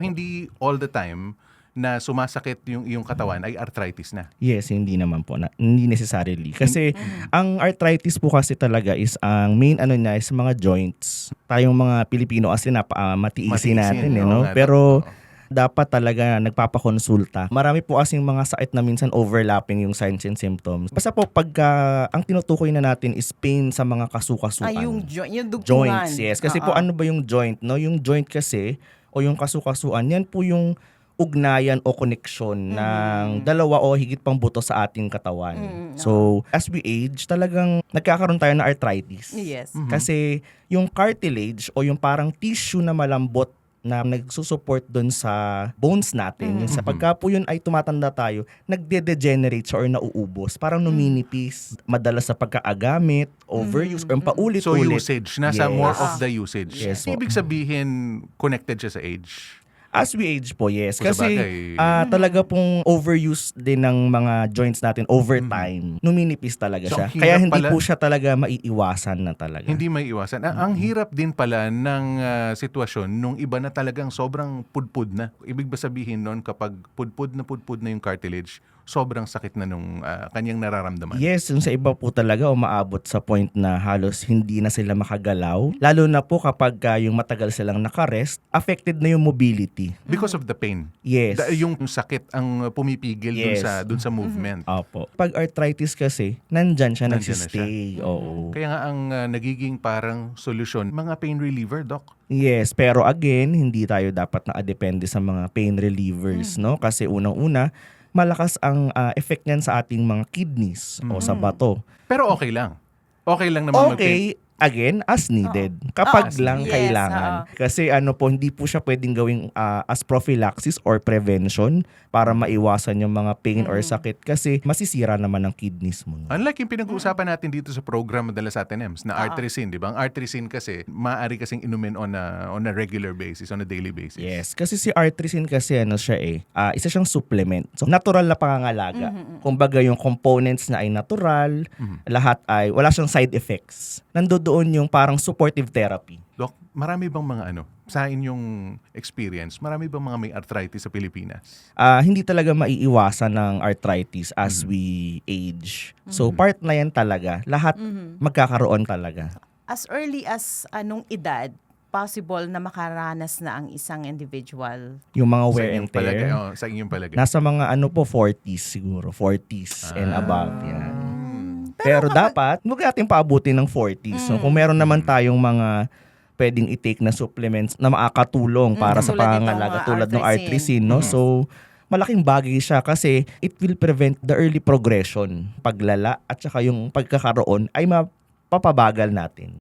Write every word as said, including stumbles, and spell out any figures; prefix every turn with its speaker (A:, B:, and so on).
A: Hindi all the time na sumasakit yung iyong katawan ay arthritis na.
B: Yes, hindi naman po. Na, hindi necessarily. Kasi ang arthritis po kasi talaga is ang main ano niya is mga joints. Tayong mga Pilipino kasi na uh, matiisin natin. Eh,
A: oo
B: no?
A: nga,
B: Pero
A: oo.
B: dapat talaga nagpapakonsulta. Marami po kasing mga sakit na minsan overlapping yung signs and symptoms. Basta po pagka ang tinutukoy na natin is pain sa mga kasukasuan.
C: Ay, yung, jo- yung dugtungan.
B: Joints, yes. Kasi
C: Oo.
B: po ano ba yung joint? No? Yung joint kasi o yung kasukasuan, yan po yung ugnayan o koneksyon ng dalawa o higit pang buto sa ating katawan.
C: Mm,
B: So, as we age, talagang nagkakaroon tayo ng arthritis.
C: Yes.
B: Kasi yung cartilage o yung parang tissue na malambot na nagsusupport doon sa bones natin, yung sa pagka po yun ay tumatanda tayo, nagde-degenerate siya or nauubos. Parang numinipis. Madalas sa pagkaagamit, overuse, or paulit-ulit.
A: So usage, nasa
B: Yes.
A: more of the usage.
B: Yes, po.
A: Ibig sabihin, connected siya sa age.
B: As we age po, yes.
A: Kung
B: Kasi
A: sabagay.
B: ah, talaga pong overuse din ng mga joints natin over time. Numinipis talaga
A: So,
B: siya.
A: ang
B: Kaya
A: hirap
B: hindi
A: pala-
B: po siya talaga maiiwasan na talaga.
A: Hindi may iwasan. Ang, ang hirap din pala ng ah, sitwasyon nung iba na talagang sobrang pudpud na. Ibig ba sabihin nun kapag pudpud na pudpud na yung cartilage, sobrang sakit na nung ah, kanyang nararamdaman?
B: Yes, yung sa iba po talaga umaabot sa point na halos hindi na sila makagalaw. Lalo na po kapag ah, yung matagal silang nakarest, affected na yung mobility.
A: Because of the pain.
B: Yes.
A: Da- yung sakit ang pumipigil dun
B: Yes.
A: sa dun sa movement.
B: Opo. Pag arthritis kasi, nandyan siya,
A: Nandyan na
B: nagsistay. Oo.
A: Kaya nga ang ah, nagiging parang solusyon, mga pain reliever, doc.
B: Yes, pero again, hindi tayo dapat nakadepende sa mga pain relievers, no? Kasi unang-una, malakas ang ah, effect niyan sa ating mga kidneys o sa bato.
A: Pero okay lang. Okay lang naman mag-pain.
B: Okay, again, as needed. Kapag
A: As
B: lang
C: needed.
B: kailangan.
C: Yes,
B: Kasi ano po, hindi po siya pwedeng gawing ah, as prophylaxis or prevention para maiwasan yung mga pain or sakit kasi masisira naman ang kidneys mo.
A: Unlike yung pinag-uusapan natin dito sa program madalas sa atin, Ems, na arterisine, di ba? Ang arterisine kasi, maaari kasing inumin on a, on a regular basis, on a daily basis.
B: Yes, kasi si arterisine kasi ano siya eh, ah, isa siyang supplement. So natural na pangangalaga. Kumbaga yung components na ay natural, lahat ay wala siyang side effects. Nandoon yung parang supportive therapy.
A: Doc, marami bang mga ano, sa inyong experience, marami bang mga may arthritis sa Pilipinas?
B: Ah, hindi talaga maiiwasan ng arthritis as we age. So part na yan talaga. Lahat magkakaroon talaga.
C: As early as anong edad, possible na makaranas na ang isang individual.
B: Yung mga
A: Sa
B: wear and
A: inyong palagay,
B: tear.
A: oh, sa inyong palagay.
B: Nasa mga ano po, forties siguro. forties and above. Yan.
A: Hmm.
B: Pero, dapat, huwag natin paabutin ng forties. So, kung meron naman tayong mga pwedeng i-take na supplements na makakatulong para sa
C: tulad nitong,
B: pangangalaga
C: uh,
B: tulad ng
C: arterisine.
B: arterisine, no? So, malaking bagay siya kasi it will prevent the early progression, paglala at saka yung pagkakaroon ay mapapabagal natin.